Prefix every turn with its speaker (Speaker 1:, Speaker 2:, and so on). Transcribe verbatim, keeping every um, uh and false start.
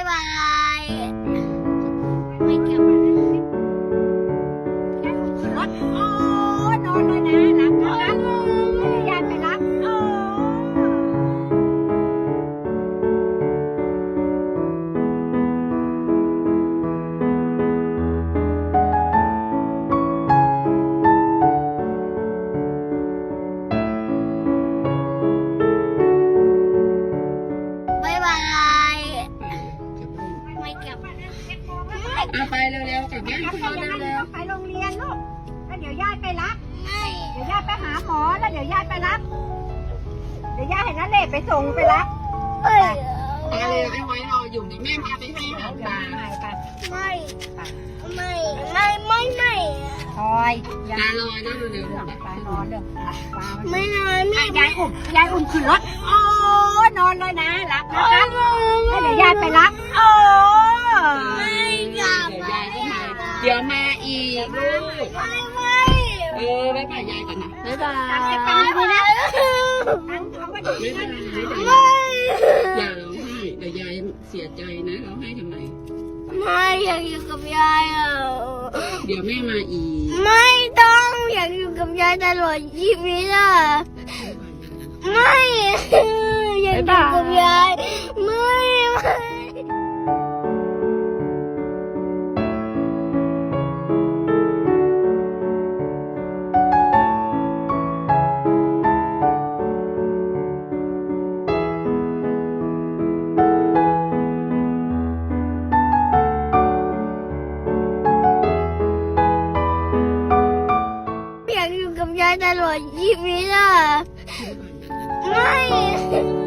Speaker 1: บายไม่กลับรถโอ้นอนเลยนะรับนะรับไม่ได้ยายไปรับโอ้บายบายไม่กลับ
Speaker 2: เอาไปเร็วๆกลับบ้านพ่อเร็ว
Speaker 3: ไปโรงเรียนลูกแล้วเดี๋ยวยายไปรับ
Speaker 1: ไม่
Speaker 3: เดี๋ยวยายไปหาหมอแล้วเดี๋ยวยายไปรับ เดี๋ยวยายให้นันเล่ไปส่งไปรับ
Speaker 1: เอ้ย
Speaker 2: ๆไปเร็วไอ้ไว้รออยู่เดี๋ยวแม่พาไปให้อาหารปลา
Speaker 3: ไป
Speaker 1: ไม่ไม่ไม่ไม่ไม่
Speaker 3: คอย
Speaker 2: ปลาลอยนะเร็ว
Speaker 3: ไปนอนเด้อปลา
Speaker 1: ไม่นอนไม่
Speaker 3: ยายอุ้มยายอุ้มขึ้นรถโอ้นอนเลยนะรับนะครับแล้วเดี๋ยวยายไปรับโอ้
Speaker 1: ไม่กลับ
Speaker 2: เดี๋ยวยายก็มาเดี๋ยวมาอีกลูก
Speaker 1: ไม่ไม่
Speaker 2: เออบ๊ายบายยายก่อนนะบ๊ายบาย
Speaker 1: ไม่นะ
Speaker 3: เอาไว้
Speaker 2: บ๊ายบาย
Speaker 1: ไม่
Speaker 2: อย่าร้องไห้เดี๋ยวยายเสียใจนะร้องไห้ทำไม
Speaker 1: ไม่อยากอยู่กับยายอ่ะ
Speaker 2: เดี๋ยวแม่มาอีก
Speaker 1: ไม่ต้องอยากอยู่กับยายตลอดชีวิตอ่ะไม่อยากอยู่กับยายไม่ไม่ อยากอยู่กับยายตลอดชีวิตอ่ะไม่